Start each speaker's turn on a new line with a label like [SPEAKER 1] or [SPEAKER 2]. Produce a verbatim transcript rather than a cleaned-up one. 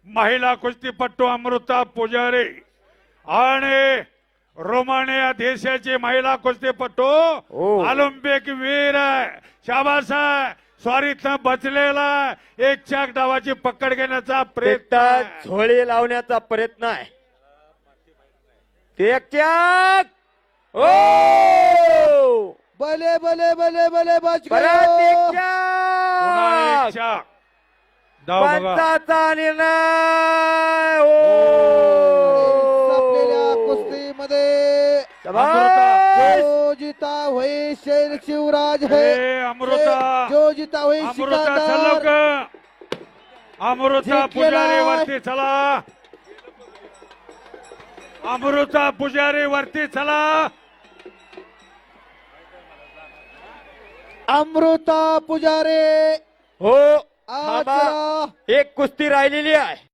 [SPEAKER 1] महिला कुस्तीपट्टू अमृता पुजारी आणि रोमानिया देशाची महिला कुस्तीपट्टू ऑलिम्पिक वीर शाबास स्वारीतनं बचलेला एक चाक डावाची पकड घेण्याचा प्रयत्न
[SPEAKER 2] झोळी लावण्याचा प्रयत्न आहे ते एक चाक ओ
[SPEAKER 3] भले भले भले भले बच
[SPEAKER 2] परत एक
[SPEAKER 1] पुन्हा एक
[SPEAKER 2] चाक
[SPEAKER 1] चाक डाव बघा
[SPEAKER 2] पंचाचा निर्णय ओ
[SPEAKER 3] संपलेल्या कुस्तीमध्ये
[SPEAKER 2] शाबास.
[SPEAKER 3] जो जीता होई शेर शिवराज है
[SPEAKER 1] ए, अमृता
[SPEAKER 3] जो जीता होई
[SPEAKER 1] अमृता
[SPEAKER 3] सिकंदर
[SPEAKER 1] चलक अमृता
[SPEAKER 3] जिंकलेला
[SPEAKER 1] पुजारी
[SPEAKER 3] आहे.
[SPEAKER 1] वरती चला अमृता पुजारी वरती चला
[SPEAKER 3] अमृता पुजारे
[SPEAKER 2] हो
[SPEAKER 3] आज
[SPEAKER 2] थांबा. एक कुस्ती राहिलेली आहे